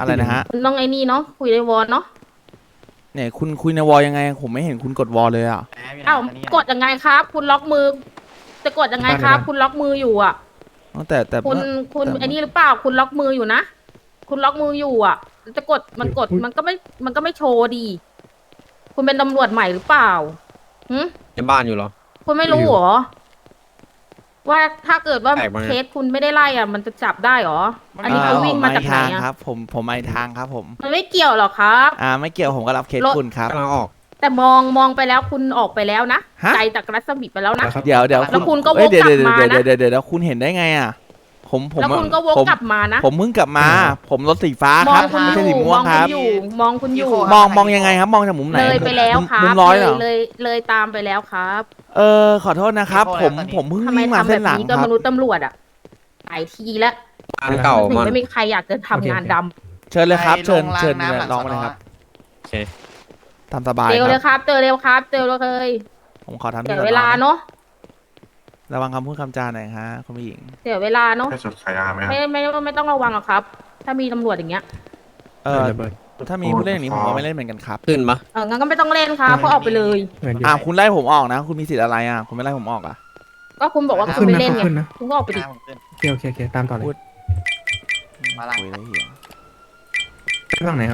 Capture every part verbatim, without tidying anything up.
อะไรนะฮะคุณต้องไอ้นี่เนาะคุยในวอลเนาะเนี่ยคุณคุยในวอลยังไงผมไม่เห็นคุณกดวอลเลยอ่ะอ้าวกดยังไงครับ คุณล็อกมือ จะกดยังไงครับ คุณล็อกมืออยู่อ่ะแต่แต่คุณคุณไอ้นี่หรือเปล่าคุณล็อกมืออยู่นะคุณล็อกมืออยู่อ่ะจะกดมันกดมันก็ไม่มันก็ไม่โชว์ดีคุณเป็นตำรวจใหม่หรือเปล่าหืมในบ้านอยู่เหรอคุณไม่รู้เหรอว่าถ้าเกิดว่าแปลกมากเคสคุณไม่ได้ไล่อ่ะมันจะจับได้เหรออันนี้เขาวิ่งมาจากไหนอ่ะครับผมผมมาทางครับผมมันไม่เกี่ยวหรอกครับอ่าไม่เกี่ยวผมก็รับเคสคุณครับกำลังออกแต่มองมองไปแล้วคุณออกไปแล้วนะใจจากรัศมีไปแล้วนะเดี๋ยวเดี๋ยวแล้วคุณก็วกกลับมานะเดี๋ยวเดี๋ยวเดี๋ยวคุณเห็นได้ไงอ่ะผมผมแล้วคุณก็วกกลับมานะผมเพิ่งกลับมาผมรถสีฟ้าครับไม่ใช่สีม่วงครับมองคุณอยู่มองมองยังไงครับมองจากมุมไหนเลยไปแล้วครับมุมร้อยเหรอเลยเลยตามไปแล้วครับเออขอโทษนะครับผมผมเพิ่งวิ่งมาเส้นหลังครับทำไมทำแบบนี้กับมนุษย์ตำรวจอ่ะหลายทีแล้วงานเก่าถึงมันไม่มีใครอยากจะทำงานดำเชิญเลยครับเชิญเชิญลองมาเลยครับโอเคทำสบายเร็วเลยครับเจอเร็วครับเจอเลยผมขอทำเสียเวลาเนาะระวังคำพูดคำจาหน่อยฮะคุณผู้หญิงเสียเวลาเนาะให้สุดขายยาไหมไม่ไม่ไม่ต้องระวังหรอกครับ ถ้ามีตำรวจอย่างเงี้ยเออถ้ามีผู้เล่นอย่างนี้ผมก็ไม่เล่นเหมือนกันครับขึ้นปะเอองั้นก็ไม่ต้องเล่นครับเพราะออกไปเลยอ่าคุณไล่ผมออกนะคุณมีสิทธิ์อะไรอ่ะคุณไม่ไล่ผมออกอ่ะก็คุณบอกว่าคุณไม่เล่นไงคุณก็ออกไปดิโอเคโอเคโอเคตามต่อเลยมาละคุยได้เหี้ยไปฝั่งไหนครับ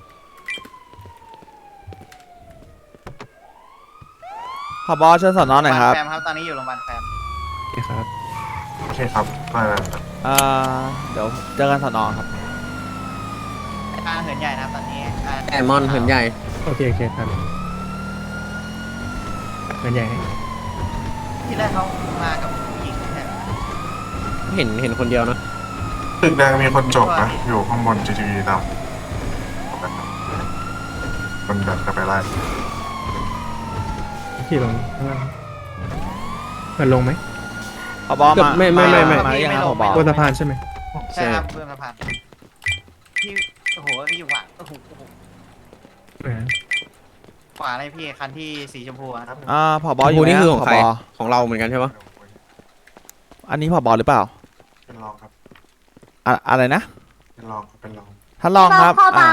ขอบอเชิญสอนน้องหน่อยครับแฟมครับตอนนี้อยู่โรงพยาบาลแฟมโอเคครับโอเคครับได้แล้วครับอ่าเดี๋ยวเจอกันสอนอครับการเหินใหญ่นะครับตอนนี้แอมอนเหินใหญ่โอเคโอเคครับเหินใหญ่ให้ที่แรกเขามากับผู้หญิงใช่ไหมเห็นเห็นคนเดียวนะตึกแดงมีคนจบนะอยู่ข้างบน จี ที วี ดำคนเดินจะไปไล่ขี่ลงข้างล่างมันลงไหมขอบอมาไม่ไม่ไม่ไม่มาอย่างครับขอบอบนสะพานใช่ไหมใช่ครับเพื่อนสะพานที่โอ้โหอยู่ขวาโอ้โหขวาอะไรพี่คันที่สีชมพูครับอ่าผอบออยู่นี่คือของใครของเราเหมือนกันใช่ปะอันนี้ผอบอหรือเปล่าเป็นรองครับอะอะไรนะเป็นรองครับเป็นรองท่านรองครับอ่า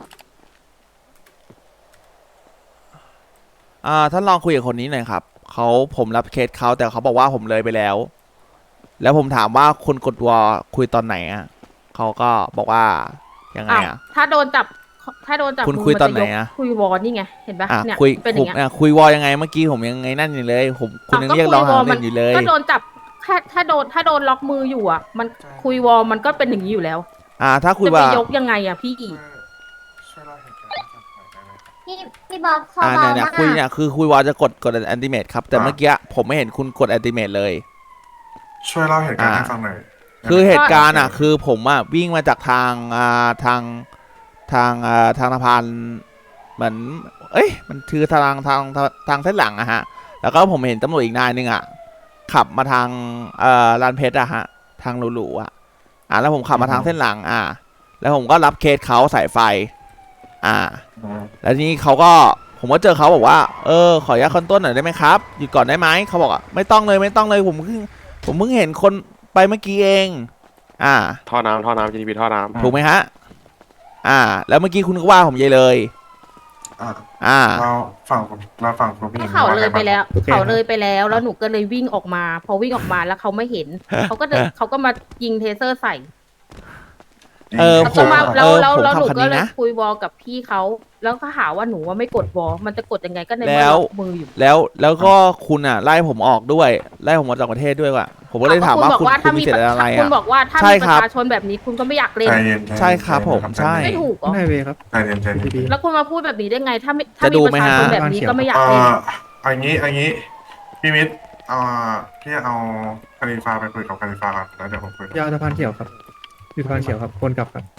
อ่าท่านลองคุยกับคนนี้หน่อยครับเขาผมรับเคสเขาแต่เขาบอกว่าผมเลยไปแล้ว แล้วผมถามว่าคนกดวอคุยตอนไหนอ่ะเขาก็บอกว่ายังไงอ่ะถ้าโดนจับถ้าโดนจับคุณคุยตอนไหนอ่ะคุยวอนี่ไงเห็นปะเนี่ยคุยเป็นอย่างเงี้ยคุยวอยังไงเมื่อกี้ผมยังไงนั่นอยู่เลยผมคุณยังเรียกร้องหาเรื่องอยู่เลยก็โดนจับถ้าถ้าโดนถ้าโดนล็อกมืออยู่อ่ะมันคุยวอมันก็เป็นอย่างนี้อยู่แล้วอ่าถ้าคุยว่าจะไปยกยังไงอ่ะพี่ช่วยเล่าเหตุการณ์ให้ฟังหน่อยได้ไหมพี่พี่บอกเขาอ่าบอกเนี่ยคุยเนี่ยคือคุยวอจะกดกดแอนติเมตครับแต่เมื่อกี้ผมไม่เห็นคุณกดแอนติเมตเลยช่วยเล่าเหตุการณ์ให้ฟังหน่อยคือเหตุการณ์อ่ะคือผมอ่ะวิ่งมาจากทางอ่าทางทางอ่าทางสะพานเหมือนเอ้ยมันคือทางทางทางเส้นหลังอะฮะแล้วก็ผมเห็นตำรวจอีกนายนึงอ่ะขับมาทางเอ่อลานเพชรอะฮะทางหลูๆอ่ะอ่าแล้วผมขับมาทางเส้นหลังอ่าแล้วผมก็รับเคสเขาสายไฟอ่าแล้วทีนี้เขาก็ผมก็เจอเขาบอกว่าเออขออนุญาตคอนต้นหน่อยได้ไหมครับหยุดก่อนได้ไหมเขาบอกอ่ะไม่ต้องเลยไม่ต้องเลยผมเพิ่งผมเพิ่งเห็นคนไปเมื่อกี้เองอ่าท่อน้ำท่อน้ำ จี ที พี ท่อน้ำถูกไหมฮะอ่าแล้วเมื่อกี้คุณก็ว่าผมเยเลยอ่าอ่าเราฝั่งผมเราฝั่งคุณพี่เขาเลยไปแล้วเขาเลยไปแล้วแล้วหนูก็เลยวิ่งออกมาพอวิ่งออกมาแล้วเขาไม่เห็นเขาก็เขาก็มายิงเทเซอร์ใส่เออผมแล้วแล้วแล้วหนูก็เลยคุยวอลกับพี่เขาแล้วก็หาว่าหนูว่าไม่กดวอลมันจะกดยังไงก็ในเมื่อมืออยู่แล้วแล้วก็คุณอ่ะไล่ผมออกด้วยไล่ผมออกจากประเทศด้วยว่ะผมก็เลยถามว่าคุณคุณมีเจตนาอะไรอ่ะคุณบอกว่าถ้ามีประชาชนแบบนี้คุณก็ไม่อยากเล่นใช่ครับผมใช่ไม่ถูกเหรอไม่เวครับใจเย็นใจเย็นแล้วคุณมาพูดแบบนี้ได้ไงถ้าถ้ามีประชาชนแบบนี้ก็ไม่อยากเล่นอันนี้อันนี้พี่มิตรอ่าพี่เอาคาริฟาไปคุยกับคาริฟาก่อนแล้วเดี๋ยวผมคุยยาวสะพานเขียวครับอยู่สะพานเขียวครับคนกลับครับ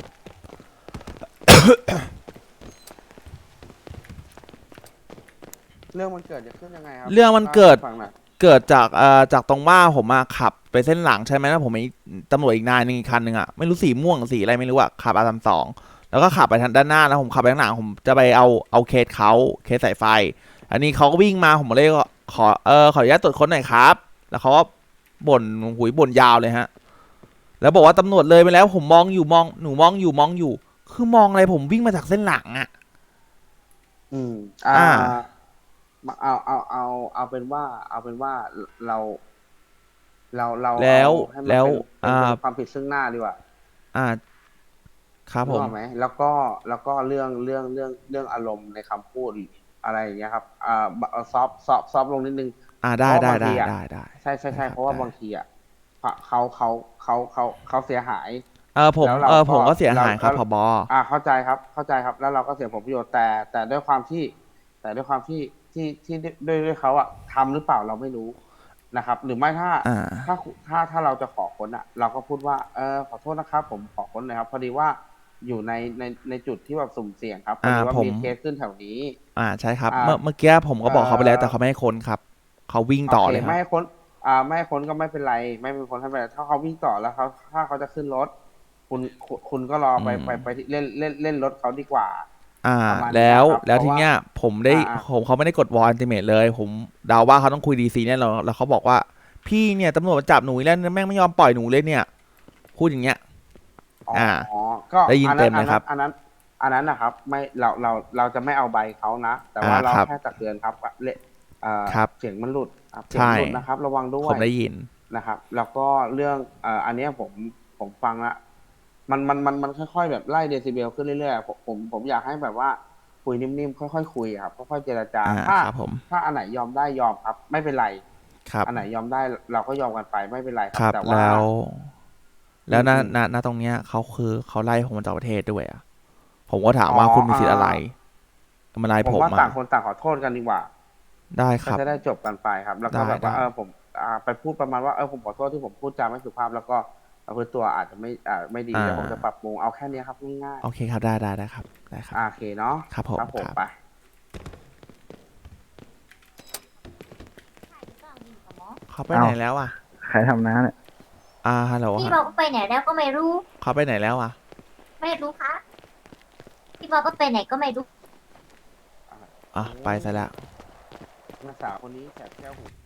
เรื่องมันเกิดจะขึ้นยังไงครับเรื่องมันเกิดเกิดจากเอ่อจากตรงว่าผมมาขับไปเส้นหลังใช่ไหมแล้วผมมีตำรวจอีกนายหนึ่งอีกคันหนึ่งอ่ะไม่รู้สีม่วงสีอะไรไม่รู้อ่ะขับอาร์สามสองแล้วก็ขับไปทางด้านหน้าแล้วผมขับไปข้างหลังผมจะไปเอาเอาเคสเขาเคสสายไฟอันนี้เขาก็วิ่งมาผมเลยขอเออขออนุญาตตรวจค้นหน่อยครับแล้วเขาก็บ่นหุยบ่นยาวเลยฮะแล้วบอกว่าตำรวจเลยไปแล้วผมมองอยู่มองหนูมองอยู่มองอยู่คือมองอะไรผมวิ่งมาจากเส้นหลังอ่ะอืมอ่าอ่ามาเอาเอาเอาเอาเป็นว่า เอาเป็นว่าเรา เราเราแล้วเอาให้มันแล้วเป็นเป็นอ่าเป็นความผิดซึ่งหน้าดีกว่าอ่า ครับผรู้มไหมแล้วก็แล้วก็เรื่องเรื่องเรื่องเรื่องอารมณ์ในคำพูดอะไรอย่างเงี้ยครับอ่าซอฟซอฟซอฟลงนิดนึงอ่าได้เพได้ราะบางได้ทีอะได้ได้ใช่ใช่ใช่ได้ครับเพราะว่าได้บางทีอ่ะเขาเขาเขาเขาเขาเสียหายเออผมแล้วเราเออก็ผมก็เสียหายครับเราผบอ่าเข้าใจครับเข้าใจครับ แล้วเราก็เสียผลประโยชน์แต่ แต่ด้วยความที่ แต่ด้วยความที่ที่ที่ด้วยด้วยเขาอะทำหรือเปล่าเราไม่รู้นะครับ หรือไม่ถ้าอ่าถ้าถ้าถ้าเราจะขอค้นอะเราก็พูดว่าเออขอโทษนะครับ ผมขอค้นหน่อยครับพอดีว่าอยู่ในในในจุดที่แบบสุ่มเสี่ยงครับพอดีว่าอ่าผมมีเคสขึ้นแถวนี้อ่าใช่ครับอ่าเมื่อเมื่อกี้ผมก็บอกเขาไปแล้วเอ่อแต่เขาไม่ให้ค้นครับ เขาวิ่งต่อโอเลเคยครัไม่บให้ค้นอ่าไม่ให้ค้นก็ไม่เป็นไร ไม่เป็นคนให้ไปถ้าเขาวิ่งต่อแล้วเขาถ้าเขาจะขึ้นรถ คุณคุณคุณก็รอไปอืมไปไปที่เล่นเล่นเล่นรถเขาดีกว่าอ่าประมาณนี้แล้วครับแล้วเพราะทีว่าเนี้ยผมได้อ่าผมเขาไม่ได้กดวอลอันติเมทเลย ผมเดาว่าเขาต้องคุยดีซีแน่นอนแล้วเขาบอกว่า พี่เนี่ยตำรวจมาจับหนูอีกแล้วแม่งไม่ยอมปล่อยหนูเลยเนี่ย พูดอย่างเงี้ยอ๋ออ่าอ๋อก็ได้ยินอัเต็มเลยครับอันนั้นอันนั้นอันนั้นนะครับ ไม่เราเราเราจะไม่เอาใบเขานะ แต่ว่าอ่าเราครับแค่ตักเตือนครับว่าเละเอ่อครับเสียงมันหลุดครับเสียใช่งหลุดนะครับ ระวังด้วผยมได้ยินนะครับ แล้วก็เรื่องเอ่ออันเนี้ยผมผมฟังละมันมันมันมันค่อยๆแบบไล่เดซิเบลขึ้นเรื่อยๆผมผมผมอยากให้แบบว่าคุยนิ่มๆค่อยๆคุยครับค่อยๆเจรจาอ่าถ้าครับผมถ้าอันไหนยอมได้ยอมครับ ไม่เป็นไรครับอันไหนยอมได้เราก็ยอมกันไปไม่เป็นไรคครัรับบ แต่ว่าแล้ว แล้วณอืมณณตรงเนี้ยเขาคือเขาไล่ผมมาจากประเทศด้วยอ่ะ ผมก็ถามว่าอ๋อคุณมีสิทธิ์อะไรอ่มาไล่ผมผมว่าอ่ะต่างคนต่างขอโทษกันดีกว่าได้คก็รับจะได้จบกันไปครับ แล้วก็ได้แบบว่าได้เออผมอ่าไปพูดประมาณว่าเออผมขอโทษที่ผมพูดจาไม่สุภาพ แล้วก็เอาพื้นตัวอาจจะไม่อ่าไม่ดีอ่าเดี๋ยวผมจะปรับปรุงเอาแค่เนี้ยครับง่ายโอเคครับ ได้ได้ได้ครับ ได้ครับๆอ่าโอเคเนาะครับผมครับผมครับไปเขาไปไหนแล้วอ่ะใครทำน้าเนี่ยอ่า ฮัลโหลพี่ฮะบอกว่าไปไหนแล้วก็ไม่รู้เขาไปไหนแล้วอ่ะไม่รู้คะพี่บอกว่าไปไหนก็ไม่รู้อ่ะ ไปซะแล้วนักสาวคนนี้แสบแก้วหู